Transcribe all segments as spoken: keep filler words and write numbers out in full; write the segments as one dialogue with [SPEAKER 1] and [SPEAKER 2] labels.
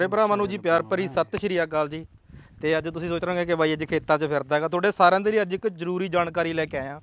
[SPEAKER 1] ਮੇਰੇ ਭਰਾਵਾਂ ਨੂੰ ਜੀ ਪਿਆਰ ਭਰੀ ਸਤਿ ਸ਼੍ਰੀ ਅਕਾਲ ਜੀ। ਤੇ ਅੱਜ ਤੁਸੀਂ ਸੋਚ ਰਹੇ ਹੋਗੇ ਕਿ ਬਾਈ ਅੱਜ ਖੇਤਾਂ 'ਚ ਫਿਰਦਾ ਹੈਗਾ, ਤੁਹਾਡੇ ਸਾਰਿਆਂ ਦੇ ਲਈ ਅੱਜ ਇੱਕ ਜ਼ਰੂਰੀ ਜਾਣਕਾਰੀ ਲੈ ਕੇ ਆਇਆ।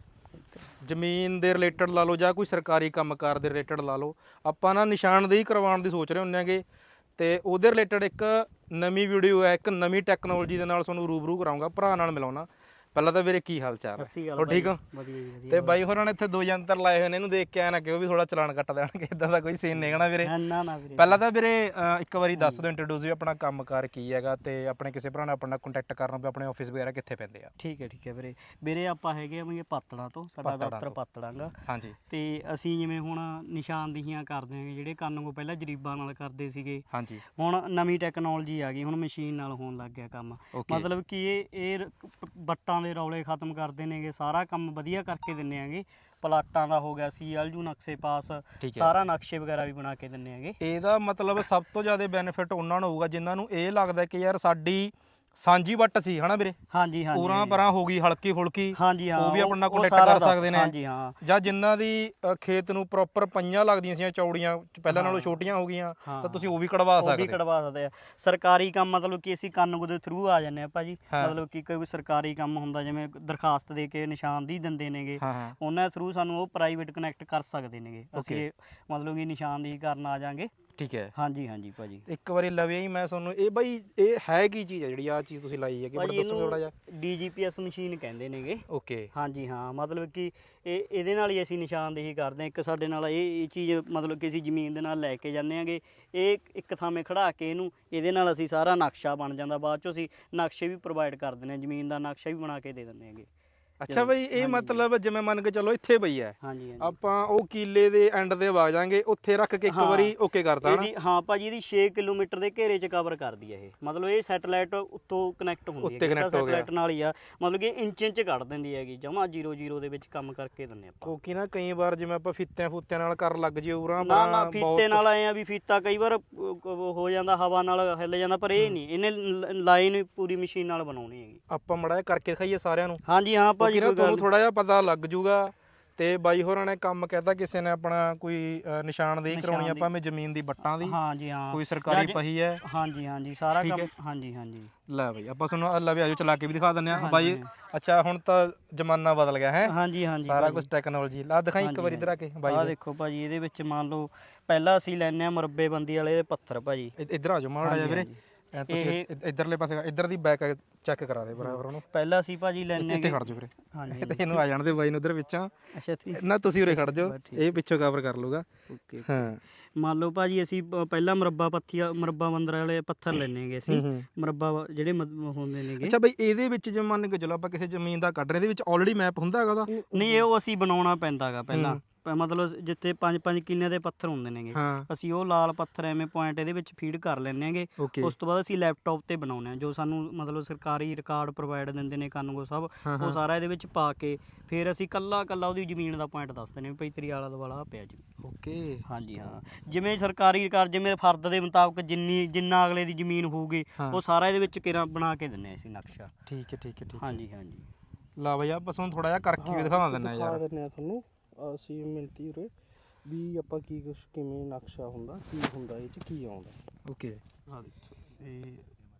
[SPEAKER 1] ਜ਼ਮੀਨ ਦੇ ਰਿਲੇਟਡ ਲਾ ਲਓ ਜਾਂ ਕੋਈ ਸਰਕਾਰੀ ਕੰਮਕਾਰ ਦੇ ਰਿਲੇਟਡ ਲਾ ਲਓ, ਆਪਾਂ ਨਾ ਨਿਸ਼ਾਨਦੇਹੀ ਕਰਵਾਉਣ ਦੀ ਸੋਚ ਰਹੇ ਹੁੰਦੇ ਹੈਗੇ। ਤੇ ਉਹਦੇ ਰਿਲੇਟਡ ਇੱਕ ਨਵੀਂ ਵੀਡੀਓ ਹੈ, ਇੱਕ ਨਵੀਂ ਟੈਕਨੋਲੋਜੀ ਦੇ ਨਾਲ ਤੁਹਾਨੂੰ ਰੂਬਰੂ ਕਰਾਉਂਗਾ, ਭਰਾ ਨਾਲ ਮਿਲਾਉਣਾ। ਪਹਿਲਾਂ ਤਾਂ ਵੀਰੇ ਕੀ ਹਾਲ ਚਾਲ ਹੈ? ਹੋ ਠੀਕ ਹੋ? ਤੇ ਬਾਈ ਹੋਰਾਂ ਨੇ ਇੱਥੇ ਦੋ ਯੰਤਰ ਲਾਏ ਹੋਏ ਨੇ, ਇਹਨੂੰ ਦੇਖ ਕੇ ਆਇਆ ਨਾ ਕਿ ਉਹ ਵੀ ਥੋੜਾ ਚਲਾਨ ਕੱਟ ਦੇਣਗੇ, ਇਦਾਂ ਦਾ ਕੋਈ ਸੀਨ ਨਹੀਂ ਹੈਗਾ ਵੀਰੇ। ਪਹਿਲਾਂ ਤਾਂ ਵੀਰੇ ਇੱਕ ਵਾਰੀ ਦੱਸ ਦਿਓ ਇੰਟਰੋਡਿਊਸ ਵੀ ਆਪਣਾ ਕੰਮਕਾਰ ਕੀ ਹੈਗਾ, ਤੇ ਆਪਣੇ ਕਿਸੇ ਭਰਾ ਨਾਲ ਆਪਣਾ ਕੰਟੈਕਟ ਕਰਨਾ ਵੀ ਆਪਣੇ ਆਫਿਸ ਵਗੈਰਾ ਕਿੱਥੇ ਪੈਂਦੇ ਆ।
[SPEAKER 2] ਠੀਕ ਹੈ ਠੀਕ ਹੈ ਵੀਰੇ। ਵੀਰੇ ਆਪਾਂ ਹੈਗੇ ਆ ਵੀ ਪਾਤੜਾਂ ਤੋਂ, ਸਾਡਾ ਦਫ਼ਤਰ ਪਾਤੜਾਂ ਗਾ।
[SPEAKER 1] ਹਾਂਜੀ। ਤੇ
[SPEAKER 2] ਅਸੀਂ ਜਿਵੇਂ ਹੁਣ ਨਿਸ਼ਾਨਦੇਹੀਆਂ ਕਰਦੇ ਹਾਂ, ਜਿਹੜੇ ਕੰਨ ਕੋ ਪਹਿਲਾਂ ਜਰੀਬਾਂ ਨਾਲ ਕਰਦੇ ਸੀਗੇ।
[SPEAKER 1] ਹਾਂਜੀ। ਹੁਣ
[SPEAKER 2] ਨਵੀਂ ਟੈਕਨੋਲੋਜੀ ਆ ਗਈ, ਹੁਣ ਮਸ਼ੀਨ ਨਾਲ ਹੋਣ ਲੱਗ ਗਿਆ ਕੰਮ। ਮਤਲਬ ਕਿ ਇਹ ਇਹ ਬੱਟਾਂ ਦੇ ਰੌਲੇ ਖਤਮ ਕਰਦੇ ਨੇਗੇ, ਸਾਰਾ ਕੰਮ ਵਧੀਆ ਕਰਕੇ ਦਿੰਦੇ ਆਂਗੇ। ਪਲਾਟਾਂ ਦਾ ਹੋ ਗਿਆ, ਸੀ ਐਲ ਯੂ ਨਕਸ਼ੇ ਪਾਸ, ਸਾਰਾ ਨਕਸ਼ੇ ਵਗੈਰਾ ਵੀ ਬਣਾ ਕੇ ਦਿੰਦੇ ਆਂਗੇ।
[SPEAKER 1] ਇਹਦਾ ਮਤਲਬ ਸਭ ਤੋਂ ਜ਼ਿਆਦਾ ਬੈਨੀਫਿਟ ਉਹਨਾਂ ਨੂੰ ਹੋਊਗਾ ਜਿਨ੍ਹਾਂ ਨੂੰ ਇਹ ਲੱਗਦਾ ਕਿ ਯਾਰ ਸਾਡੀ ਸਾਂਝੀ ਵੱਟ ਸੀ, ਹਨਾ ਵੀਰੇ?
[SPEAKER 2] ਹਾਂਜੀ ਹਾਂਜੀ।
[SPEAKER 1] ਪੂਰਾ ਪਰਾਂ ਹੋ ਗਈ ਹਲਕੀ ਫੁਲਕੀ,
[SPEAKER 2] ਹਾਂਜੀ ਹਾਂ,
[SPEAKER 1] ਉਹ ਵੀ ਆਪਣਾ ਕੰਟੈਕਟ ਕਰ ਸਕਦੇ ਨੇ।
[SPEAKER 2] ਹਾਂਜੀ ਹਾਂ।
[SPEAKER 1] ਜਾਂ ਜਿਨ੍ਹਾਂ ਦੀ ਖੇਤ ਨੂੰ ਪ੍ਰੋਪਰ ਪਈਆਂ ਲੱਗਦੀਆਂ ਸੀ, ਚੌੜੀਆਂ ਪਹਿਲਾਂ ਨਾਲੋਂ ਛੋਟੀਆਂ ਹੋ ਗਈਆਂ, ਤਾਂ ਤੁਸੀਂ ਉਹ ਵੀ ਕਢਵਾ ਸਕਦੇ।
[SPEAKER 2] ਉਹ ਵੀ ਕਢਵਾ ਸਕਦੇ ਆ। ਸਰਕਾਰੀ ਕੰਮ ਮਤਲਬ ਕਿ ਅਸੀਂ ਕੰਨ ਦੇ ਥਰੂ ਆ ਜਾਂਦੇ ਆ ਭਾਜੀ। ਮਤਲਬ ਕਿ ਕੋਈ ਸਰਕਾਰੀ ਕੰਮ ਹੁੰਦਾ, ਜਿਵੇਂ ਦਰਖਾਸਤ ਦੇ ਕੇ ਨਿਸ਼ਾਨਦੇਹੀ ਦਿੰਦੇ ਨੇਗੇ, ਉਹਨਾਂ ਥਰੂ ਸਾਨੂੰ ਉਹ ਪ੍ਰਾਈਵੇਟ ਕਨੈਕਟ ਕਰ ਸਕਦੇ ਨੇਗੇ। ਅਸੀਂ ਮਤਲਬ ਕਿ ਨਿਸ਼ਾਨਦੇਹੀ ਕਰਨ ਆ ਜਾਾਂਗੇ। ਠੀਕ ਹੈ। ਹਾਂਜੀ ਹਾਂਜੀ ਭਾਜੀ। ਇੱਕ
[SPEAKER 1] ਵਾਰੀ ਲਵੇ ਹੀ ਮੈਂ ਤੁਹਾਨੂੰ ਇਹ ਬਾਈ ਇਹ ਹੈ ਕੀ ਚੀਜ਼ ਹੈ ਜਿਹੜੀ ਆਹ ਚੀਜ਼ ਤੁਸੀਂ ਲਾਈ ਹੈਗੀ? ਬੜਾ ਦੱਸੋ ਥੋੜਾ ਜਿਹਾ।
[SPEAKER 2] D G P S machine ਕਹਿੰਦੇ ਨੇਗੇ।
[SPEAKER 1] ਓਕੇ।
[SPEAKER 2] ਹਾਂਜੀ ਹਾਂ, ਮਤਲਬ ਕਿ ਇਹ ਇਹਦੇ ਨਾਲ ਹੀ ਅਸੀਂ ਨਿਸ਼ਾਨਦੇਹੀ ਕਰਦੇ ਹਾਂ। ਇੱਕ ਸਾਡੇ ਨਾਲ ਇਹ ਇਹ ਚੀਜ਼ ਮਤਲਬ ਕਿ ਅਸੀਂ ਜ਼ਮੀਨ ਦੇ ਨਾਲ ਲੈ ਕੇ ਜਾਂਦੇ ਆਂਗੇ, ਇਹ ਇੱਕ ਥਾਵੇਂ ਖੜਾ ਕੇ ਇਹਨੂੰ, ਇਹਦੇ ਨਾਲ ਅਸੀਂ ਸਾਰਾ ਨਕਸ਼ਾ ਬਣ ਜਾਂਦਾ। ਬਾਅਦ 'ਚੋਂ ਅਸੀਂ ਨਕਸ਼ੇ ਵੀ ਪ੍ਰੋਵਾਈਡ ਕਰ ਦਿੰਦੇ ਹਾਂ, ਜ਼ਮੀਨ ਦਾ ਨਕਸ਼ਾ ਵੀ ਬਣਾ ਕੇ ਦੇ ਦਿੰਦੇ ਹੈਗੇ।
[SPEAKER 1] ਅੱਛਾ ਬਾਈ, ਇਹ ਮਤਲਬ ਜਿਵੇਂ ਮੰਨ ਕੇ ਚਲੋ ਇੱਥੇ ਪਈ ਹੈ,
[SPEAKER 2] ਹਾਂਜੀ
[SPEAKER 1] ਆਪਾਂ ਉਹ ਕੀਲੇ ਦੇ ਐਂਡ ਤੇ ਵਗ ਜਾਾਂਗੇ, ਉੱਥੇ ਰੱਖ ਕੇ ਇੱਕ ਵਾਰੀ ਓਕੇ ਕਰਤਾ ਨਾ?
[SPEAKER 2] ਹਾਂ ਭਾਜੀ, ਇਹਦੀ ਛੇ ਕਿਲੋਮੀਟਰ ਦੇ ਘੇਰੇ 'ਚ ਕਵਰ ਕਰਦੀ ਹੈ ਇਹ। ਮਤਲਬ ਇਹ ਸੈਟੇਲਾਈਟ ਉੱਤੋਂ ਕਨੈਕਟ ਹੁੰਦੀ ਹੈ, ਸੈਟੇਲਾਈਟ ਨਾਲ ਹੀ ਆ। ਮਤਲਬ ਕਿ ਇੰਚ ਇੰਚ ਕੱਢ ਦਿੰਦੀ ਹੈਗੀ, ਜਮਾ ਜ਼ੀਰੋ ਜ਼ੀਰੋ ਦੇ ਵਿੱਚ ਕੰਮ ਕਰਕੇ ਦਿੰਦੇ ਆਪਾਂ।
[SPEAKER 1] ਕਿਉਂਕਿ ਨਾ ਕਈ ਵਾਰ ਜਿਵੇਂ ਆਪਾਂ ਫੀਤਿਆਂ ਫੂਤਿਆਂ ਨਾਲ ਕਰਨ ਲੱਗ ਜੇ ਉਰਾਂ
[SPEAKER 2] ਨਾ ਨਾ, ਫੀਤੇ ਨਾਲ ਆਏ ਆ ਵੀ ਫੀਤਾ ਕਈ ਵਾਰ ਹੋ ਜਾਂਦਾ, ਹਵਾ ਨਾਲ ਹਿੱਲ ਜਾਂਦਾ, ਪਰ ਇਹ ਨਹੀਂ, ਇਹਨੇ ਲਾਈਨ ਪੂਰੀ ਮਸ਼ੀਨ ਨਾਲ ਬਣਾਉਣੀ ਹੈਗੀ। ਆਪਾਂ
[SPEAKER 1] ਮੜਾ ਕਰਕੇ ਦਿਖਾਈਏ ਸਾਰਿਆਂ ਨੂੰ?
[SPEAKER 2] ਹਾਂਜੀ ਹਾਂ ਭਾਜੀ,
[SPEAKER 1] ਤੁਹਾਨੂੰ ਥੋੜਾ ਜਿਹਾ ਪਤਾ ਲੱਗ ਜੂਗਾ। ਤੇ ਬਾਈ ਹੋਰਾਂ ਨੇ ਕੰਮ ਕਹਿਤਾ, ਕਿਸੇ ਨੇ ਆਪਣਾ ਕੋਈ ਨਿਸ਼ਾਨਦੇਹੀ ਕਰਾਉਣੀ ਆਪਾਂ ਮੈਂ ਜ਼ਮੀਨ ਦੀ ਵੱਟਾਂ ਦੀ।
[SPEAKER 2] ਹਾਂਜੀ ਹਾਂ।
[SPEAKER 1] ਕੋਈ ਸਰਕਾਰੀ ਪਹੀ ਹੈ?
[SPEAKER 2] ਹਾਂਜੀ ਹਾਂਜੀ, ਸਾਰਾ ਕੰਮ। ਹਾਂਜੀ ਹਾਂਜੀ।
[SPEAKER 1] ਲੈ ਬਾਈ ਆਪਾਂ ਤੁਹਾਨੂੰ ਅੱਲਾ ਵੀ ਆਜੋ ਚਲਾ ਕੇ ਵੀ ਦਿਖਾ ਦਿੰਦੇ ਆ ਬਾਈ। ਅੱਛਾ, ਹੁਣ ਤਾਂ ਜ਼ਮਾਨਾ ਬਦਲ ਗਿਆ ਹੈ। ਹਾਂਜੀ ਹਾਂਜੀ, ਸਾਰਾ ਕੁਝ ਟੈਕਨੋਲੋਜੀ ਲਾ ਦਿਖਾਈ ਇੱਕ ਵਾਰੀ ਇੱਧਰ ਆ ਕੇ ਬਾਈ।
[SPEAKER 2] ਆਹ ਦੇਖੋ ਭਾਜੀ, ਇਹਦੇ ਵਿੱਚ ਮੰਨ ਲਓ ਪਹਿਲਾਂ ਅਸੀਂ ਲੈਂਦੇ ਆ ਮੁਰੱਬੇ ਬੰਦੀ ਵਾਲੇ ਪੱਥਰ ਭਾਜੀ।
[SPEAKER 1] ਇੱਧਰ ਆ ਜਾਓ ਮਾੜਾ ਜਿਹਾ ਵੀਰੇ, ਤੁਸੀਂ ਇੱਧਰਲੇ ਪਾਸੇ ਇੱਧਰ ਦੀ ਬੈਕ ਚੈੱਕ ਕਰਾ ਦੇ ਬਰਾਬਰ ਉਹਨੂੰ।
[SPEAKER 2] ਪਹਿਲਾਂ ਅਸੀਂ ਭਾਜੀ ਲੈਣੇ
[SPEAKER 1] ਇੱਥੇ ਖੜ ਜਾਓ ਵੀਰੇ। ਹਾਂਜੀ, ਇਹਨੂੰ ਆ ਜਾਣ ਦੇ ਬਾਈ ਨੂੰ ਉਧਰ ਵਿੱਚਾਂ।
[SPEAKER 2] ਅੱਛਾ
[SPEAKER 1] ਨਾ ਤੁਸੀਂ ਉਰੇ ਖੜ ਜਾਓ, ਇਹ ਪਿੱਛੋਂ ਕਵਰ ਕਰ ਲੂਗਾ। ਓਕੇ ਹਾਂ।
[SPEAKER 2] ਮੰਨ ਲਓ ਭਾਜੀ, ਅਸੀਂ ਪਹਿਲਾਂ ਮੁਰੱਬਾ ਪੱਥੀ ਮੁਰੱਬਾ ਬੰਦਰ ਵਾਲੇ ਪੱਥਰ ਲੈਣੇ ਹੈਗੇ ਅਸੀਂ, ਮੁਰੱਬਾ ਜਿਹੜੇ ਹੁੰਦੇ ਨੇਗੇ।
[SPEAKER 1] ਅੱਛਾ ਬਈ, ਇਹਦੇ ਵਿੱਚ ਜੇ ਮੰਨ ਕੇ ਚਲੋ ਆਪਾਂ ਕਿਸੇ ਜ਼ਮੀਨ ਦਾ ਕੱਢ ਰਹੇ, ਇਹਦੇ ਵਿੱਚ ਆਲਰੇਡੀ ਮੈਪ ਹੁੰਦਾ ਹੈਗਾ ਉਹਦਾ?
[SPEAKER 2] ਨਹੀਂ, ਇਹ ਉਹ ਅਸੀਂ ਬਣਾਉਣਾ ਪੈਂਦਾ ਹੈਗਾ ਪਹਿਲਾਂ। ਮਤਲਬ ਜਿੱਥੇ ਪੰਜ ਪੰਜ ਕਿੱਲਿਆਂ ਦੇ ਪੱਥਰ ਹੁੰਦੇ ਨੇਗੇ, ਅਸੀਂ ਉਹ ਲਾਲ ਪੱਥਰ ਐਵੇਂ ਪੁਆਇੰਟ ਇਹਦੇ ਵਿੱਚ ਫੀਡ ਕਰ ਲੈਂਦੇ ਹੈਗੇ। ਉਸ ਤੋਂ ਬਾਅਦ ਅਸੀਂ ਲੈਪਟਾਪ ਤੇ ਬਣਾਉਂਦੇ ਹਾਂ, ਜੋ ਸਾਨੂੰ ਮਤਲਬ ਸਰਕਾਰੀ ਰਿਕਾਰਡ ਪ੍ਰੋਵਾਈਡ ਦਿੰਦੇ ਨੇ ਕਾਨੂੰਗੋ ਸਾਹਿਬ, ਉਹ ਸਾਰਾ ਇਹਦੇ ਵਿੱਚ ਪਾ ਕੇ ਫਿਰ ਅਸੀਂ ਕੱਲਾ ਕੱਲਾ ਉਹਦੀ ਜ਼ਮੀਨ ਦਾ ਪੁਆਇੰਟ ਦੱਸ ਦਿੰਦੇ ਹਾਂ, ਵੀ ਤੇਰੀ ਆਲਾ ਦੁਆਲਾ ਪਿਆ ਜੀ। ਓਕੇ। ਹਾਂਜੀ ਹਾਂ, ਜਿਵੇਂ ਸਰਕਾਰੀ ਰਿਕਾਰਡ, ਜਿਵੇਂ ਫਰਦ ਦੇ ਮੁਤਾਬਕ ਜਿੰਨੀ ਜਿੰਨਾ ਅਗਲੇ ਦੀ ਜ਼ਮੀਨ ਹੋਊਗੀ, ਉਹ ਸਾਰਾ ਇਹਦੇ ਵਿੱਚ ਕਿਰਾ ਬਣਾ ਕੇ ਦਿੰਦੇ ਅਸੀਂ ਨਕਸ਼ਾ।
[SPEAKER 1] ਠੀਕ ਹੈ ਠੀਕ ਹੈ ਠੀਕ।
[SPEAKER 2] ਹਾਂਜੀ ਹਾਂਜੀ।
[SPEAKER 1] ਲਾ ਬਈ ਆਪਾਂ ਤੁਹਾਨੂੰ ਥੋੜਾ ਜਿਹਾ ਕਰਕੇ ਵੀ ਦਿਖਾ ਦਿੰਦੇ ਯਾਰ।
[SPEAKER 3] ਦਿੰਦੇ ਆ ਤੁਹਾਨੂੰ ਅਸੀਂ ਮਿਲਤੀ ਉਰੇ ਵੀ ਆਪਾਂ ਕੀ ਕੁਛ ਕਿਵੇਂ ਨਕਸ਼ਾ ਹੁੰਦਾ, ਕੀ ਹੁੰਦਾ, ਇਹ 'ਚ ਕੀ ਆਉਂਦਾ।
[SPEAKER 1] ਓਕੇ।
[SPEAKER 3] ਆ ਦੇਖੋ, ਇਹ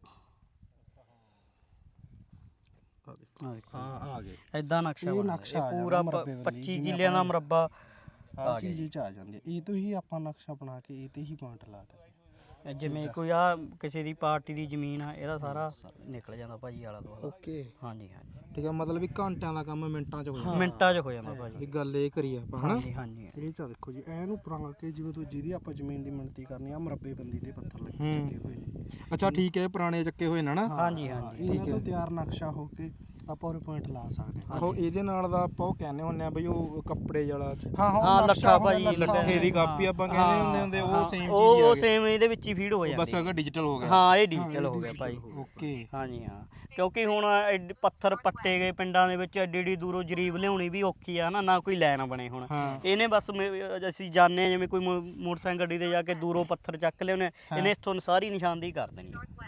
[SPEAKER 3] ਆ ਦੇਖੋ, ਆ ਆ ਗਏ
[SPEAKER 2] ਇਦਾਂ ਨਕਸ਼ਾ।
[SPEAKER 3] ਇਹ ਨਕਸ਼ਾ
[SPEAKER 2] ਪੂਰਾ ਪੱਚੀ ਕਿੱਲਿਆਂ ਦਾ ਮੁਰੱਬਾ
[SPEAKER 3] ਆ ਚੀਜ਼ 'ਚ ਆ ਜਾਂਦੀ ਹੈ। ਇਹ ਤੋਂ ਹੀ ਆਪਾਂ ਨਕਸ਼ਾ ਬਣਾ ਕੇ ਇਹ ਤੇ ਹੀ ਪੁਆਇੰਟ ਲਾ ਦਿੰਦੇ।
[SPEAKER 2] ਜਿਵੇਂ ਕੋਈ ਆ ਕਿਸੇ ਦੀ ਪਾਰਟੀ ਦੀ ਜ਼ਮੀਨ ਆ, ਇਹਦਾ ਸਾਰਾ ਨਿਕਲ ਜਾਂਦਾ ਭਾਜੀ ਆਲਾ ਦੁਆਲਾ।
[SPEAKER 1] ਓਕੇ।
[SPEAKER 2] ਹਾਂਜੀ ਹਾਂਜੀ।
[SPEAKER 1] ਠੀਕ ਹੈ, ਮਤਲਬ ਵੀ ਘੰਟਿਆਂ ਦਾ ਕੰਮ ਮਿੰਟਾਂ 'ਚ ਹੋ ਜਾਂਦਾ।
[SPEAKER 2] ਮਿੰਟਾਂ 'ਚ ਹੋ ਜਾਂਦਾ ਭਾਜੀ।
[SPEAKER 1] ਵੀ ਗੱਲ ਇਹ ਕਰੀ ਆਪਾਂ ਹਨਾ।
[SPEAKER 2] ਹਾਂਜੀ ਹਾਂਜੀ।
[SPEAKER 3] ਇਹ 'ਚ ਦੇਖੋ ਜੀ, ਇਹਨੂੰ ਬਣਾ ਕੇ ਜਿਵੇਂ ਤੁਸੀਂ ਜਿਹਦੀ ਆਪਾਂ ਜ਼ਮੀਨ ਦੀ ਮਿਣਤੀ ਕਰਨੀ ਆ, ਮੁਰੱਬੇ ਬੰਦੀ ਦੇ ਪੱਥਰ ਲੱਗੇ ਚੱਕੇ ਹੋਏ ਨੇ।
[SPEAKER 1] ਅੱਛਾ ਠੀਕ ਹੈ, ਪੁਰਾਣੇ ਚੱਕੇ ਹੋਏ ਨੇ ਨਾ?
[SPEAKER 2] ਹਾਂਜੀ ਹਾਂਜੀ।
[SPEAKER 3] ਇਹਨਾਂ ਤੋਂ ਤਿਆਰ ਨਕਸ਼ਾ ਹੋ ਕੇ ਆਪਾਂ ਉਹ ਪੁਆਇੰਟ ਲਾ ਸਕਦੇ ਹਾਂ।
[SPEAKER 1] ਆਹੋ, ਇਹਦੇ ਨਾਲ ਦਾ ਆਪਾਂ ਉਹ ਕਹਿੰਦੇ ਹੁੰਦੇ ਆ ਬਈ ਉਹ ਕੱਪੜੇ ਵਾਲਾ।
[SPEAKER 2] ਹਾਂ ਹਾਂ, ਲੱਠਾ ਭਾਜੀ,
[SPEAKER 1] ਲੱਠੇ ਦੀ ਕਾਪੀ ਆਪਾਂ ਕਹਿੰਦੇ ਹੁੰਦੇ ਹੁੰਦੇ, ਉਹ ਸੇਮ ਚੀਜ਼
[SPEAKER 2] ਉਹ ਉਹ ਸੇਮ ਇਹਦੇ ਵਿੱਚ ਹੀ ਫੀਡ ਹੋ ਜਾਂਦੀ।
[SPEAKER 1] ਬਸ ਅਗਰ ਡਿਜੀਟਲ ਹੋ ਗਿਆ।
[SPEAKER 2] ਹਾਂ, ਇਹ ਡਿਜੀਟਲ ਹੋ ਗਿਆ ਭਾਜੀ।
[SPEAKER 1] ਓਕੇ।
[SPEAKER 2] ਹਾਂਜੀ ਹਾਂ, ਕਿਉਂਕਿ ਹੁਣ ਪੱਥਰ ਪੱਟੇ ਗਏ ਪਿੰਡਾਂ ਦੇ ਵਿੱਚ, ਐਡੀ ਐਡੀ ਦੂਰੋਂ ਜਰੀਬ ਲਿਆਉਣੀ ਵੀ ਔਖੀ ਆ ਨਾ, ਨਾ ਕੋਈ ਲਾਈਨ ਬਣੇ। ਹੁਣ ਇਹਨੇ ਬਸ ਅਸੀਂ ਜਾਂਦੇ ਹਾਂ, ਜਿਵੇਂ ਕੋਈ ਮੋਟਰਸਾਈਕਲ ਗੱਡੀ ਤੇ ਜਾ ਕੇ ਦੂਰੋਂ ਪੱਥਰ ਚੱਕ ਲਿਆਉਂਦੇ, ਇਹਨੇ ਇੱਥੋਂ ਸਾਰੀ ਨਿਸ਼ਾਨਦੇਹੀ ਕਰ ਦੇਣੀ।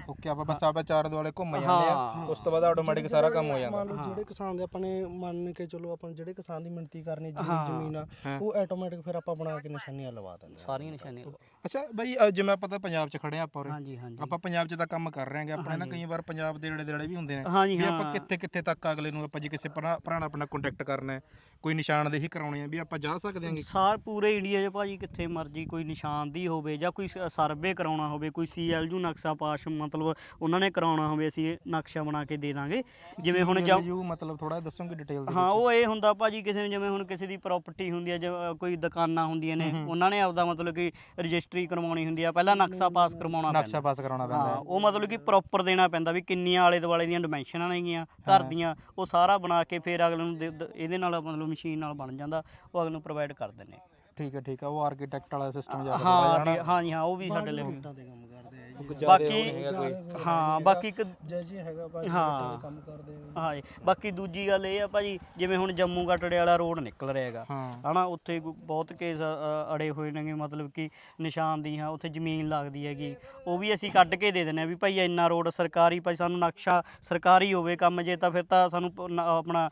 [SPEAKER 1] ਓਕੇ ਆਪਾਂ ਬਸ ਆਪਾਂ ਚਾਰ ਦੁਆਲੇ ਘੁੰਮ ਜਾਂਦੇ ਆ ਉਸ ਤੋਂ ਬਾਅਦ ਆਟੋਮੈਟਿਕ ਸਾਰਾ ਕੰਮ ਹੋ ਜਾਂਦਾ।
[SPEAKER 3] ਮੰਨ ਲਓ ਜਿਹੜੇ ਕਿਸਾਨ ਦੇ ਆਪਾਂ ਨੇ ਮੰਨ ਕੇ ਚਲੋ ਆਪਾਂ ਜਿਹੜੇ ਕਿਸਾਨ ਦੀ ਮਿਣਤੀ ਕਰਨੀ ਜਿਹੜੀ ਜ਼ਮੀਨ ਆ ਉਹ ਆਟੋਮੈਟਿਕ ਫਿਰ ਆਪਾਂ ਬਣਾ ਕੇ ਨਿਸ਼ਾਨੀਆਂ ਲਵਾ ਦਿੰਦੇ ਆ
[SPEAKER 2] ਸਾਰੀਆਂ ਨਿਸ਼ਾਨੀਆਂ।
[SPEAKER 1] ਅੱਛਾ ਬਾਈ ਅ, ਜਿਵੇਂ ਆਪਾਂ ਤਾਂ ਪੰਜਾਬ 'ਚ ਖੜੇ ਆ ਆਪਾਂ ਉਰੇ
[SPEAKER 2] ਹਾਂਜੀ ਹਾਂਜੀ
[SPEAKER 1] ਆਪਾਂ ਪੰਜਾਬ 'ਚ ਤਾਂ ਕੰਮ ਕਰ ਰਹੇ ਆਂਗੇ ਆਪਣੇ ਨਾ ਕਈ ਵਾਰ ਪੰਜਾਬ ਦੇ ਨੇੜੇ ਦੇੜੇ ਵੀ ਹੁੰਦੇ ਨੇ
[SPEAKER 2] ਹਾਂਜੀ
[SPEAKER 1] ਵੀ
[SPEAKER 2] ਹਾਂ
[SPEAKER 1] ਆਪਾਂ ਕਿੱਥੇ ਕਿੱਥੇ ਤੱਕ ਅਗਲੇ ਨੂੰ ਆਪਾਂ ਜੇ ਕਿਸੇ ਭਰਾ ਭਰਾ ਨਾਲ ਆਪਣਾ ਕੰਟੈਕਟ ਕਰਨਾ ਹੈ ਕੋਈ ਨਿਸ਼ਾਨਦੇਹੀ ਕਰਾਉਣੀ ਹੈ ਵੀ ਆਪਾਂ ਜਾ ਸਕਦੇ ਆਂਗੇ।
[SPEAKER 2] ਸਾਰ ਪੂਰੇ ਇੰਡੀਆ 'ਚ ਭਾਜੀ ਕਿੱਥੇ ਮਰਜੀ ਕੋਈ ਨਿਸ਼ਾਨਦੀ ਹੋਵੇ ਜਾਂ ਕੋਈ ਸਰਵੇ ਕਰਾਉਣਾ ਹੋਵੇ ਕੋਈ ਸੀ ਐਲ ਯੂ ਨਕਸ਼ਾ ਪਾਸ ਮਤਲਬ ਉਹਨਾਂ ਨੇ ਕਰਾਉਣਾ ਹੋਵੇ ਅਸੀਂ ਨਕਸ਼ਾ ਬਣਾ ਕੇ ਦੇ ਦਾਂਗੇ। ਜਿਵੇਂ ਹੁਣ ਜਾਂ
[SPEAKER 1] ਯੂ ਮਤਲਬ ਥੋੜਾ ਦੱਸੋਗੇ ਡਿਟੇਲ ਦੇ
[SPEAKER 2] ਹਾਂ ਉਹ ਇਹ ਹੁੰਦਾ ਭਾਜੀ ਕਿਸੇ ਨੂੰ ਜਿਵੇਂ ਹੁਣ ਕਿਸੇ ਦੀ ਪ੍ਰਾਪਰਟੀ ਹੁੰਦੀ ਹੈ ਜਿਵੇਂ ਕੋਈ ਦੁਕਾਨਾਂ ਹੁੰਦੀਆਂ ਨੇ ਉਹਨਾਂ ਨੇ ਆਪਦਾ ਮਤਲਬ ਕਿ ਰਜਿਸਟਰੀ ਕਰਵਾਉਣੀ ਹੁੰਦੀ ਆ ਪਹਿਲਾਂ ਨਕਸ਼ਾ ਪਾਸ ਕਰਵਾਉਣਾ ਪੈਂਦਾ।
[SPEAKER 1] ਨਕਸ਼ਾ ਪਾਸ ਕਰਾਉਣਾ ਪੈਂਦਾ
[SPEAKER 2] ਹਾਂ ਉਹ ਮਤਲਬ ਕਿ ਪ੍ਰੋਪਰ ਦੇਣਾ ਪੈਂਦਾ ਵੀ ਕਿੰਨੀਆਂ ਆਲੇ ਦੁਆਲੇ ਦੀਆਂ ਡਿਮੈਂਸ਼ਨਾਂ ਨੇਗੀਆਂ ਘਰ ਦੀਆਂ ਉਹ ਸਾਰਾ ਬਣਾ ਕੇ ਫਿਰ ਅਗਲੇ ਨੂੰ ਦੇ- ਦ- ਇਹਦੇ ਨਾਲ ਮਤਲਬ ਮਸ਼ੀਨ ਨਾਲ ਬਣ ਜਾਂਦਾ ਉਹ ਅਗਲੇ ਨੂੰ ਪ੍ਰੋਵਾਈਡ ਕਰ ਦਿੰਦੇ।
[SPEAKER 1] ਠੀਕ ਹੈ ਠੀਕ ਹੈ ਉਹ ਆਰਕੀਟੈਕਟ ਵਾਲਾ ਸਿਸਟਮ ਜਿਆਦਾ
[SPEAKER 2] ਹਾਂ ਵੀ- ਹਾਂ ਜੀ ਹਾਂ ਉਹ ਵੀ ਸਾਡੇ ਲਈ
[SPEAKER 3] ਇੱਟਾਂ ਤੇ ਕੰਮ ਕਰਦੇ ਆ ਜੀ
[SPEAKER 2] ਬਾਕੀ ਹਾਂ ਬਾਕੀ ਇੱਕ
[SPEAKER 3] ਜੈ ਜੀ ਹੈਗਾ ਭਾਈ
[SPEAKER 2] ਹਾਂ
[SPEAKER 3] ਕੰਮ ਕਰਦੇ ਆ
[SPEAKER 2] ਹਾਂ ਜੀ ਬਾਕੀ ਦੂਜੀ ਗੱਲ ਇਹ ਆ ਭਾਜੀ ਜਿਵੇਂ ਹੁਣ ਜੰਮੂ ਕਟੜੇ ਵਾਲਾ ਰੋਡ ਨਿਕਲ ਰਿਹਾ ਹੈਗਾ
[SPEAKER 1] ਹਾਂ
[SPEAKER 2] ਹਨਾ ਉੱਥੇ ਕੋਈ ਬਹੁਤ ਕੇਸ ਅ, ਅੜੇ ਹੋਏ ਨੇਗੇ ਮਤਲਬ ਕਿ ਨਿਸ਼ਾਨਦੀ ਹਾਂ ਉੱਥੇ ਜ਼ਮੀਨ ਲੱਗਦੀ ਹੈਗੀ ਉਹ ਵੀ ਅਸੀਂ ਕੱਢ ਕੇ ਦੇ ਦਿੰਦੇ ਆ ਵੀ ਭਾਈ ਇੰਨਾ ਰੋਡ ਸਰਕਾਰੀ ਭਾਈ ਸਾਨੂੰ ਨਕਸ਼ਾ ਸਰਕਾਰੀ ਹੋਵੇ ਕੰਮ ਜੇ ਤਾਂ ਫਿਰ ਤਾਂ ਸਾਨੂੰ ਪ- ਨ- ਆਪਣਾ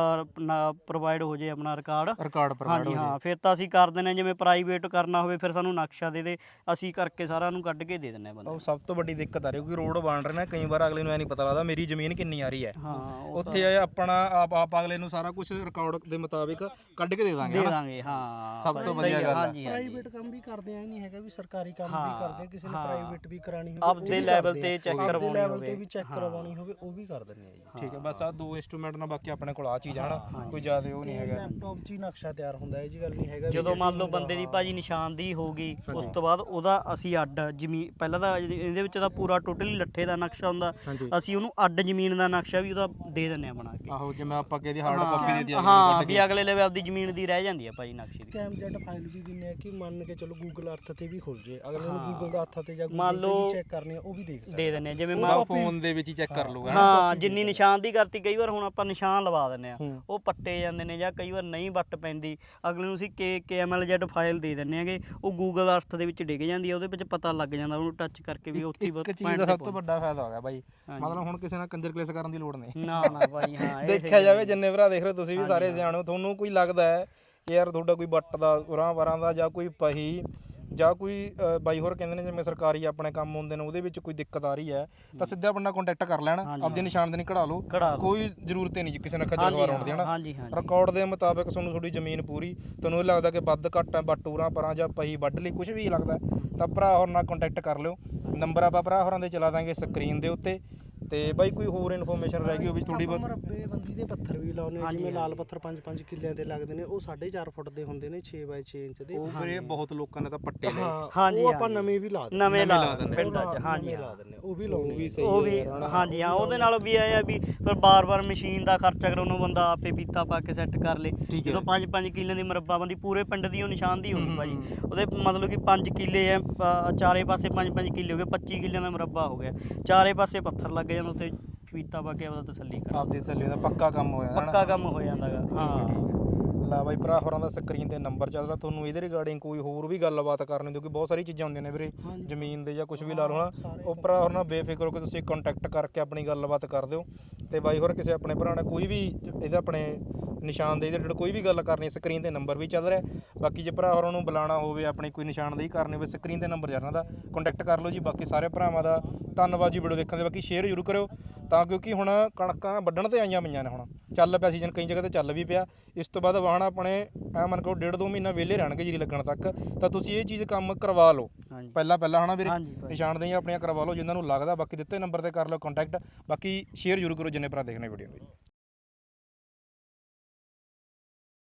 [SPEAKER 2] ਪ੍ਰੋਵਾਈਡ ਹੋ ਜੇ ਆਪਣਾ ਰਿਕਾਰਡ
[SPEAKER 1] ਰਿਕਾਰਡ ਪ੍ਰੋਵਾਈਡ
[SPEAKER 2] ਹਾਂਜੀ ਹਾਂ ਫਿਰ ਤਾਂ ਅਸੀਂ ਕਰ ਦਿੰਦੇ ਹਾਂ ਜਿਵੇਂ ਪ੍ਰਾਈਵੇਟ ਕਰਨਾ ਹੋਵੇ ਫਿਰ ਸਾਨੂੰ ਨਕਸ਼ਾ ਦੇ ਦੇ ਅਸੀਂ ਕਰਕੇ ਸਾਰਾ ਨੂੰ ਕੱਢ ਕੇ ਦੇ ਦਿੰਦੇ ਹਾਂ ਬੰਦੇ
[SPEAKER 1] ਉਹ ਸਭ ਤੋਂ ਵੱਡੀ ਦਿੱਕਤ ਆ ਰਹੀ ਕਿਉਂਕਿ ਰੋਡ ਬਣ ਰਹੇ ਨੇ ਕਈ ਵਾਰ ਅਗਲੇ ਨੂੰ ਐ ਨਹੀਂ ਪਤਾ ਲੱਗਦਾ ਮੇਰੀ ਜ਼ਮੀਨ ਕਿੰਨੀ ਆ ਰਹੀ ਹੈ
[SPEAKER 2] ਹਾਂ ਉਹ
[SPEAKER 1] ਉੱਥੇ ਇਹ ਆਪਣਾ ਆਪ ਆਪ ਅਗਲੇ ਨੂੰ ਸਾਰਾ ਕੁਝ ਰਿਕਾਰਡ ਦੇ ਮੁਤਾਬਿਕ ਕੱਢ ਕੇ ਦੇ ਦਾਂਗੇ
[SPEAKER 2] ਦੇ
[SPEAKER 1] ਹਨਾ
[SPEAKER 2] ਦਾਂਗੇ ਹਾਂ
[SPEAKER 1] ਸਭ ਤੋਂ
[SPEAKER 2] ਸਹੀ
[SPEAKER 1] ਵਧੀਆ ਗੱਲ ਆ।
[SPEAKER 2] ਹਾਂਜੀ ਹਾਂਜੀ
[SPEAKER 3] ਪ੍ਰਾਈਵੇਟ ਕੰਮ ਵੀ ਕਰਦੇ ਆ ਇਹ ਨਹੀਂ ਹੈਗਾ ਵੀ ਸਰਕਾਰੀ ਕੰਮ ਵੀ ਕਰਦੇ ਆ ਕਿਸੇ ਨੇ ਪ੍ਰਾਈਵੇਟ ਵੀ ਕਰਾਣੀ ਹੋਵੇ
[SPEAKER 2] ਆਪਦੇ ਲੈਵਲ ਤੇ ਚੈੱਕ ਕਰਵਾਉਣੀ
[SPEAKER 3] ਲੈਵਲ
[SPEAKER 2] ਹੋਵੇ
[SPEAKER 3] ਤੇ ਵੀ ਚੈੱਕ ਕਰਵਾਉਣੀ ਹੋਵੇ ਉਹ ਵੀ ਕਰ ਦਿੰਦੇ ਆ ਜੀ।
[SPEAKER 1] ਠੀਕ ਹੈ ਬਸ ਆ ਦੋ ਇੰਸਟਰੂਮੈਂਟ ਨਾਲ ਬਾਕੀ ਆਪਣੇ ਕੋਲ ਆ ਚੀਜ਼ ਆ ਹਨਾ ਕੋਈ ਜ਼ਿਆਦਾ ਉਹ ਨਹੀਂ ਹੈਗਾ
[SPEAKER 3] ਲੈਪਟਾਪ 'ਚ ਹੀ ਨਕਸ਼ਾ ਤਿਆਰ ਹੁੰਦਾ ਹੈ ਜੀ ਗੱਲ ਨਹੀਂ ਹੈਗਾ ਵੀ
[SPEAKER 2] ਜਦੋਂ ਮੰਨ ਲਓ ਬੰਦੇ ਦੀ ਭਾਜੀ ਨਿਸ਼ਾਨਦੀ ਹੋ ਗਈ ਉਸ ਤੋਂ ਬਾਅਦ ਉਹਦਾ ਅਸੀਂ ਅੱਡ ਜ਼ਮੀਨ ਪਹਿਲਾਂ ਤਾਂ ਇਹਦੇ ਵਿੱਚ ਤਾਂ ਪੂਰਾ ਟੋਟਲੀ ਲੱਠੇ ਦਾ ਨਕਸ਼ਾ ਹੁੰਦਾ
[SPEAKER 1] ਹਾਂਜੀ
[SPEAKER 2] ਅਸੀਂ ਉਹਨੂੰ ਅੱਡ ਜ਼ਮੀਨ ਦਾ ਨਕਸ਼ਾ ਵੀ ਉਹਦਾ ਦੇ ਦਿੰਦੇ ਆ ਬਣਾ ਕੇ
[SPEAKER 1] ਆਹੋ ਜਿਵੇਂ ਆਪਾਂ ਕਿਹਦੀ ਹਾਰਡ ਕਾਪੀ ਦੇ ਦਿਆ
[SPEAKER 2] ਹਾਂ ਵੀ ਅਗਲੇ ਲੈਵਲ ਆਪਦੀ ਜ਼ਮੀਨ ਦੀ ਰਹਿ ਜਾਂਦੀ ਆ ਭਾਜੀ ਨਕਸ਼ੇ ਦੀ
[SPEAKER 3] ਕੈਮਜੈਟ ਫਾਈਲ ਵੀ ਦਿੰਨੇ ਆ ਕਿ ਮੰਨ ਕੇ ਚਲੋ ਗੂਗਲ ਅਰਥ ਤੇ ਵੀ ਖੁੱਲ ਜੇ ਅਗਲੇ ਨੂੰ ਗੂਗਲ ਦਾ ਅਰਥ ਤੇ ਜਾਂ
[SPEAKER 2] ਮੰਨ
[SPEAKER 3] ਗੂਗਲ ਤੇ
[SPEAKER 2] ਲਓ
[SPEAKER 3] ਵੀ ਚੈੱਕ ਕਰਨੀ ਆ ਉਹ ਵੀ ਦੇਖ ਸਕਦੇ
[SPEAKER 2] ਦੇ ਦਿੰਦੇ ਆ ਜਿਵੇਂ
[SPEAKER 1] ਉਹਦਾ ਫੋਨ ਦੇ ਵਿੱਚ ਹੀ ਚੈੱਕ ਕਰ ਲੂਗਾ
[SPEAKER 2] ਹਾਂ ਜਿੰਨੀ ਨਿਸ਼ਾਨਦੀ ਕਰਤੀ ਕਈ ਵਾਰ ਹੁਣ ਆਪਾਂ ਨਿਸ਼ਾਨ ਲਵਾ ਦਿੰਦੇ ਆ ਉਹ ਪੱਟੇ ਜਾਂਦੇ ਨੇ ਜਾਂ ਕਈ ਵਾਰ ਨਹੀਂ ਵੱਟ ਪੈਂਦੀ ਅਗਲੇ ਨੂੰ ਅਸੀਂ K K M L Z file ਦੇ ਦਿੰਦੇ ਆਗੇ ਉਹ ਗੂਗਲ ਅਰਥ ਦੇ ਵਿੱਚ ਡਿੱਗ ਜਾਂਦੀ ਆ ਉਹਦੇ ਵਿੱਚ ਪਤਾ ਲੱਗ ਜਾਂਦਾ ਉਹਨੂੰ ਟੱਚ ਕਰਕੇ ਵੀ ਉੱਥੇ
[SPEAKER 1] ਇੱਕ ਚੀਜ਼ ਦਾ ਸਭ ਤੋਂ ਵੱਡਾ ਫਾਇਦਾ ਹੋ ਗਿਆ ਬਾਈ ਮਤਲਬ ਹੁਣ ਕਿਸੇ ਨਾਲ ਕੰਜਰ ਕਲੇਸ ਕਰਨ ਦੀ ਲੋੜ ਨਹੀਂ
[SPEAKER 2] ਨਾ ਨਾ ਭਾਈ ਹਾਂ ਇਹ
[SPEAKER 1] ਦੇਖਿਆ ਜਾਵੇ ਜਿੰਨੇ ਭਰਾ ਦੇਖ ਰਹੇ ਹੋ ਤੁਸੀਂ ਵੀ ਸਾਰੇ ਸਿਆਣੇ ਹੋ ਤੁਹਾਨੂੰ ਕੋਈ ਲੱਗਦਾ ਹੈ ਕਿ ਯਾਰ ਤੁਹਾਡਾ ਕੋਈ ਬੱਟ ਦਾ ਉਰਾਂ ਵਰਾਂ ਦਾ ਜਾਂ ਕੋਈ ਪਹੀ ਜਾਂ ਕੋਈ ਅ, ਬਾਈ ਹੋਰ ਕਹਿੰਦੇ ਨੇ ਜਿਵੇਂ ਸਰਕਾਰੀ ਆਪਣੇ ਕੰਮ ਹੁੰਦੇ ਨੇ ਉਹਦੇ ਵਿੱਚ ਕੋਈ ਦਿੱਕਤ ਆ ਰਹੀ ਹੈ ਤਾਂ ਸਿੱਧਾ ਬੰਦਾ ਕੰਟੈਕਟ ਕਰ ਲੈਣ ਆਪਦੀ ਨਿਸ਼ਾਨਦੇਹੀ ਕਢਾ ਲਓ
[SPEAKER 2] ਕਢਾ ਲਓ।
[SPEAKER 1] ਕੋਈ ਜ਼ਰੂਰਤ ਹੀ ਨਹੀਂ ਕਿਸੇ ਨਾਲ ਖੱਜਲ ਖਵਾਰ ਹੋਣ ਦੀ ਹਨਾ
[SPEAKER 2] ਹਾਂਜੀ ਹਾਂਜੀ
[SPEAKER 1] ਰਿਕਾਰਡ ਦੇ ਮੁਤਾਬਕ ਤੁਹਾਨੂੰ ਤੁਹਾਡੀ ਜ਼ਮੀਨ ਪੂਰੀ ਤੁਹਾਨੂੰ ਇਹ ਲੱਗਦਾ ਕਿ ਵੱਧ ਘੱਟ ਹੈ ਬੱਟ ਉਰਾਂ ਪਰਾਂ ਜਾਂ ਪਹੀ ਵੱਢ ਲਈ ਕੁਝ ਵੀ ਲੱਗਦਾ ਤਾਂ ਭਰਾ ਹੋਰ ਨਾਲ ਕੰਟੈਕਟ ਕਰ ਲਿਓ ਨੰਬਰ ਆਪਾਂ ਭਰਾ ਹੋਰਾਂ ਦੇ ਚਲਾ ਦਾਂਗੇ ਸਕਰੀਨ ਦੇ ਉੱਤੇ ਤੇ ਬਾਈ ਕੋਈ ਹੋਰ ਇਨਫੋਰਮੇਸ਼ਨ ਰਹਿ ਗਈ ਹੋਵੇ ਥੋੜੀ ਬਹੁਤ
[SPEAKER 3] ਮਰੱਬੇ ਬੰਦੀ ਦੇ ਪੱਥਰ ਵੀ ਲਾਉਨੇ ਆ ਜਿਵੇਂ ਲਾਲ ਪੱਥਰ ਪੰਜ ਪੰਜ ਕਿੱਲਿਆਂ ਤੇ ਲੱਗਦੇ ਨੇ ਉਹ ਸਾਢੇ ਚਾਰ ਫੁੱਟ ਦੇ ਹੁੰਦੇ ਨੇ ਛੇ ਬਾਈ ਛੇ ਇੰਚ ਦੇ
[SPEAKER 1] ਉਹ ਵੀਰੇ ਬਹੁਤ ਲੋਕਾਂ ਨੇ ਤਾਂ ਪੱਟੇ ਲਏ
[SPEAKER 2] ਹਾਂਜੀ,
[SPEAKER 3] ਉਹ ਆਪਾਂ ਨਵੇਂ ਵੀ ਲਾ ਦਿੰਦੇ
[SPEAKER 2] ਨਵੇਂ ਲਾ
[SPEAKER 1] ਦਿੰਦੇ
[SPEAKER 2] ਪਿੰਡਾਂ 'ਚ ਹਾਂਜੀ
[SPEAKER 3] ਲਾ ਦਿੰਦੇ ਉਹ ਵੀ ਲਾਉਣੇ
[SPEAKER 1] ਵੀ ਸਹੀ
[SPEAKER 2] ਉਹ ਵੀ ਹਾਂਜੀ ਹਾਂ ਉਹਦੇ ਨਾਲ ਵੀ ਆਇਆ ਵੀ ਫਿਰ ਬਾਰ-ਬਾਰ ਮਸ਼ੀਨ ਦਾ ਖਰਚਾ ਕਰਾਉਣ ਨੂੰ ਬੰਦਾ ਆਪੇ ਪੀਤਾ ਪਾ ਕੇ ਸੈੱਟ ਕਰ ਲੇ ਜਦੋਂ ਪੰਜ ਪੰਜ ਕਿੱਲੇ ਦੀ ਮਰੱਬਾ ਬੰਦੀ ਪੂਰੇ ਪਿੰਡ ਦੀ ਉਹ ਨਿਸ਼ਾਨਦੀ ਹੋਊਗੀ ਭਾਜੀ ਉਹਦੇ ਮਤਲਬ ਕਿ ਪੰਜ ਕਿੱਲੇ ਐ ਅ, ਚਾਰੇ ਪਾਸੇ ਪੰਜ ਪੰਜ ਕਿੱਲੇ ਹੋ ਗਏ ਪੱਚੀ ਕਿੱਲਿਆਂ ਦਾ ਮਰੱਬਾ ਹੋ ਗਿਆ ਚਾਰੇ ਪਾਸੇ ਪੱਥਰ ਲੱਗ ਜਾਂਦਾ ਉੱਤੇ ਪੀਤਾ ਪਾ ਕੇ ਉਹਦਾ ਤਸੱਲੀ ਕਰ
[SPEAKER 1] ਆਪਦੀ ਤਸੱਲੀ ਦਾ ਪੱਕਾ ਕੰਮ ਹੋਇਆ ਹਨਾ
[SPEAKER 2] ਪੱਕਾ ਕੰਮ ਹੋ ਜਾਂਦਾ ਗਾ ਹਾਂ
[SPEAKER 1] ਲਾ ਬਾਈ ਭਰਾ ਹੋਰਾਂ ਦਾ ਸਕਰੀਨ ਤੇ ਨੰਬਰ ਚੱਲਦਾ ਤੁਹਾਨੂੰ ਇਹਦੇ ਰਿਗਾਰਡਿੰਗ ਕੋਈ ਹੋਰ ਵੀ ਗੱਲਬਾਤ ਕਰਨੀ ਕਿਉਂਕਿ ਬਹੁਤ ਸਾਰੀ ਚੀਜ਼ਾਂ ਹੁੰਦੀਆਂ ਨੇ ਵੀਰੇ ਜ਼ਮੀਨ ਦੇ ਜਾਂ ਕੁਝ ਵੀ ਲਾ ਲਓ ਹਨਾ ਉਹ ਭਰਾ ਹੋਰਾਂ ਨਾਲ ਬੇਫਿਕਰ ਹੋ ਕੇ ਤੁਸੀਂ ਕੰਟੈਕਟ ਕਰਕੇ ਆਪਣੀ ਗੱਲਬਾਤ ਕਰ ਦਿਓ ਤੇ ਬਾਈ ਹੋਰ ਕਿਸੇ ਆਪਣੇ ਭਰਾ ਨੇ ਕੋਈ ਵੀ ਇਹਦੇ ਆਪਣੇ ਨਿਸ਼ਾਨਦੇਹੀ ਦੇ ਰਿਲੇਟਡ ਕੋਈ ਵੀ ਗੱਲ ਕਰਨੀ ਸਕਰੀਨ ਤੇ ਨੰਬਰ ਵੀ ਚੱਲ ਰਿਹਾ ਬਾਕੀ ਜੇ ਭਰਾ ਹੋਰਾਂ ਨੂੰ ਬੁਲਾਉਣਾ ਹੋਵੇ ਆਪਣੀ ਕੋਈ ਨਿਸ਼ਾਨਦੇਹੀ ਕਰਨੀ ਹੋਵੇ ਸਕਰੀਨ ਤੇ ਨੰਬਰ ਚੱਲ ਰਿਹਾ ਕੰਟੈਕਟ ਕਰ ਲਓ ਜੀ ਬਾਕੀ ਸਾਰੇ ਭਰਾਵਾਂ ਦਾ ਧੰਨਵਾਦ ਜੀ ਵੀਡੀਓ ਦੇਖਣ ਦੇ ਬਾਕੀ ਸ਼ੇਅਰ ਜ਼ਰੂਰ ਕਰਿਓ ਤਾਂ ਕਿਉਂਕਿ ਹੁਣ ਕਣਕਾਂ ਵੱਢਣ ਤੇ ਆਈਆਂ ਪਈਆਂ ਨੇ ਹੁਣ ਚੱਲ ਪਿਆ ਸੀਜ਼ਨ ਕਈ ਜਗ੍ਹਾ ਤੇ ਚੱਲ ਵੀ ਪਿਆ ਇਸ ਤੋਂ ਬਾਅਦ ਵਾਹਣ ਆਪਣੇ ਐ ਮੰਨ ਕੇ ਡੇਢ ਦੋ ਮਹੀਨਾ ਵਿਹਲੇ ਰਹਿਣਗੇ ਜੀਰੀ ਲੱਗਣ ਤੱਕ ਤਾਂ ਤੁਸੀਂ ਇਹ ਚੀਜ਼ ਕੰਮ ਕਰਵਾ ਲਓ ਪਹਿਲਾਂ ਪਹਿਲਾਂ ਹਨਾ ਵੀਰੇ ਨਿਸ਼ਾਨਦੇਹੀਆਂ ਆਪਣੀਆਂ ਕਰਵਾ ਲਓ ਜਿਨ੍ਹਾਂ ਨੂੰ ਲੱਗਦਾ ਬਾਕੀ ਦਿੱਤੇ ਨੰਬਰ ਤੇ ਕਰ ਲਓ ਕੰਟੈਕਟ ਬਾਕੀ ਸ਼ੇਅਰ ਜ਼ਰੂਰ ਕਰੋ ਜਿੰਨੇ ਭਰਾ ਦੇਖਣੇ ਵੀਡੀਓ